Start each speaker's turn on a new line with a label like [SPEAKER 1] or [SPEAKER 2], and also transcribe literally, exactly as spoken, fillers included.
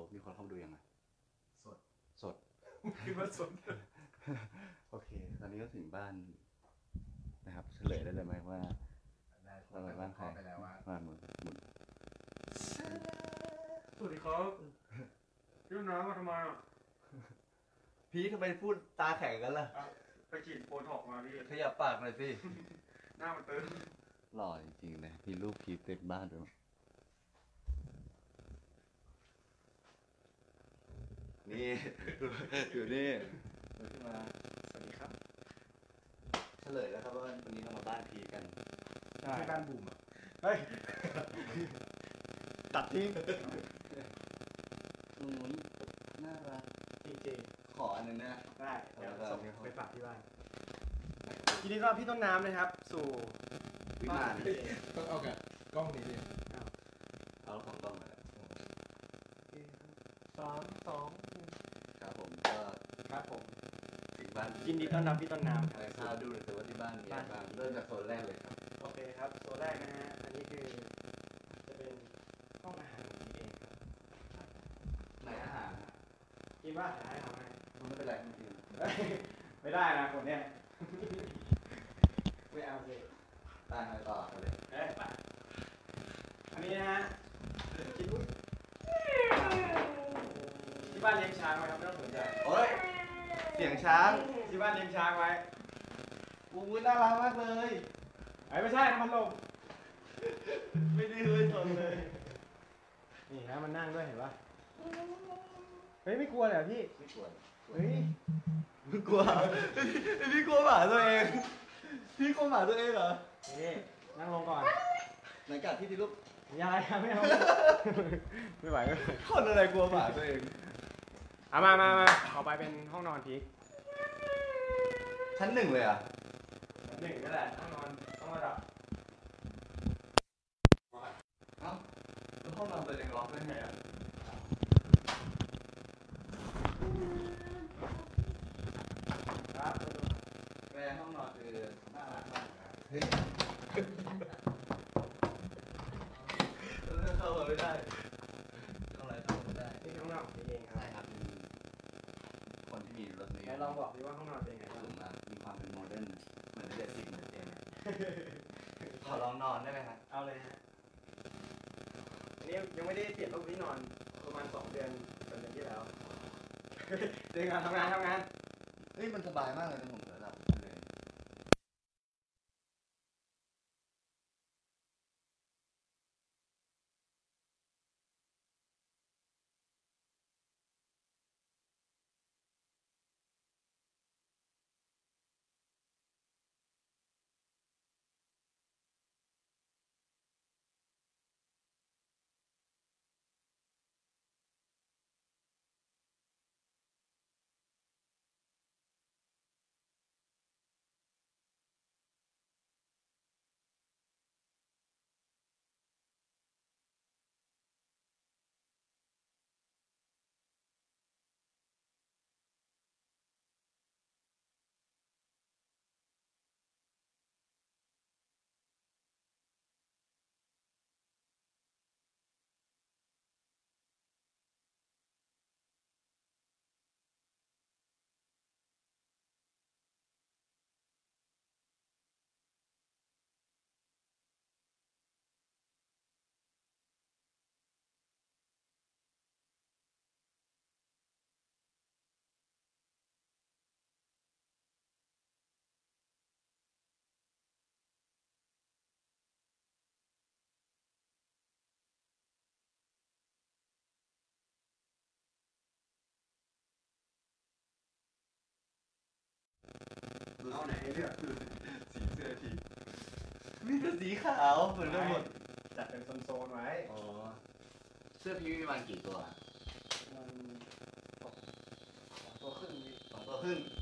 [SPEAKER 1] มีคนเข้ามาดูยังไง
[SPEAKER 2] สด
[SPEAKER 1] สด
[SPEAKER 2] คิดว่าสด
[SPEAKER 1] โอเคตอนนี้ก็ถึงบ้านนะครับเฉลยได้เลยไหมว่าเราไปบ้านใครบ้านหมุนหมุน
[SPEAKER 2] สวัสดีครับยื่นน้ำมาทำไมอ่ะ
[SPEAKER 1] พี่ทำไมพูดตาแข็งกันล่ะ
[SPEAKER 2] ไปฉีดโบท็อกมาพี่
[SPEAKER 1] ขยับปากหน่อยสิ
[SPEAKER 2] หน้ามันตึง
[SPEAKER 1] หล่อจริงๆนะมีรูปพีเต็มบ้านด้วยนี่อยู่นี่ขึ้นมา
[SPEAKER 2] สวัสดีครับ
[SPEAKER 1] เฉลยแล้วครับว่าวันนี้เรามาบ้านพีกัน
[SPEAKER 2] ใช่บ้านบูมอ่ะ
[SPEAKER 1] เฮ้ยตัดทิ้งอืมน่ารัก
[SPEAKER 2] จริง
[SPEAKER 1] ๆขออันนึงนะ
[SPEAKER 2] ได้เดี๋ยวส่งไปฝากที่บ้านทีนี้ก็พี่ต้นน้ำนะครับสู่
[SPEAKER 1] วิมาน
[SPEAKER 3] ต้องเอากับกล้องนี้ดิ
[SPEAKER 1] เอาของกล้องมาแล้ว
[SPEAKER 2] สองสอง
[SPEAKER 1] ครับผมก็
[SPEAKER 2] ครับผม
[SPEAKER 1] ถึงบ้าน
[SPEAKER 2] ยินดีต้อนรับพี่ต้นน้ำ
[SPEAKER 1] อะไรข้าวดูเลยแต่ว่าที่บ้านมีอะไรบ้างเริ่มจากโซนแรกเลยครับ
[SPEAKER 2] โอเคครับโซนแรกนะฮะอันนี้คือจะเป็นห้องอาหารของพี่เองครับ
[SPEAKER 1] ไหนอาหาร
[SPEAKER 2] กินว่าหาให้ทำไม
[SPEAKER 1] ไม่เป็นไรไม่กิน
[SPEAKER 2] ไม่ได้นะคนเนี้ยไม่เอาสิ
[SPEAKER 1] ตายไปต่อเลย
[SPEAKER 2] เอ้ยไปอันนี้นะฮะกินอุ้ยที่บ้านเลี้ยงช้างไว้ครับไม่ต้องสนใจ
[SPEAKER 1] โอ้ยเสียงช้าง
[SPEAKER 2] ที่บ้านเลี้ยงช้างไว้
[SPEAKER 1] อู้ยน่ารักมากเลย
[SPEAKER 2] ไอ้ไม่ใช่มันลม
[SPEAKER 1] ไม่ได้เลยสนเลย
[SPEAKER 2] นี่นะมันนั่งด้วยเห็นปะเฮ้ยไม่กลัวเลยพี่
[SPEAKER 1] ไม่กลัว
[SPEAKER 2] เฮ้ย
[SPEAKER 1] ไม่กลัวพี่กลัวหมาตัวเองพี่กลัวหมาตัวเองเหรอ
[SPEAKER 2] นี่นั่งลงก่อน
[SPEAKER 1] หลังจากที่ที่ลูก
[SPEAKER 2] ยายไม่เอาไม่ไหวก็
[SPEAKER 1] คนอะไรกลัวหมาตัวเอง
[SPEAKER 2] เอามามามาต่อไปเป็นห้องนอนพี
[SPEAKER 1] ชั้นหนึ่งเลยอ่ะ
[SPEAKER 2] หนึ่งก็ได้ห้องนอนต้องระดับ
[SPEAKER 1] เอ้าแล้วห้องนอนตัวเองล็อกได้ไงอ่ะ
[SPEAKER 2] ครับ
[SPEAKER 1] แม่ห้องนอนคือน่ารักมากเฮ้ยเข้ามาไม่ได้เข้าอะไรเข้าไม่ได้
[SPEAKER 2] นี่ห้องนอนของพี่เองครับ
[SPEAKER 1] ใช่ครับคนที่มีรถนี้
[SPEAKER 2] ลองบอกดิว่าห้องนอนเป็นไง
[SPEAKER 1] บ้างสูงมากมีความเป็นโมเดิร์นเหมือนเด็กสิบเหมือนเดิมขอลองนอนได้ไหมครับ
[SPEAKER 2] เอาเลยฮะอันนี้ยังไม่ได้เปลี่ยนรูปที่นอนประมาณสองเดือนสองเดือนที่แล้วเดินงานทำงานทำงาน
[SPEAKER 1] เฮ้ยมันสบายมากเลยนะผมระดับเลย
[SPEAKER 2] เอาไหนเลือก
[SPEAKER 1] สีเสื้อทีมีแต่สีขาวเหมือนกันหมด
[SPEAKER 2] จัดเป็นโซนๆไว้
[SPEAKER 1] อ๋อเสื้อพี่มีประมาณกี่ตัว
[SPEAKER 2] มันสองตัวครึ่ง
[SPEAKER 1] สองตัวครึ่ง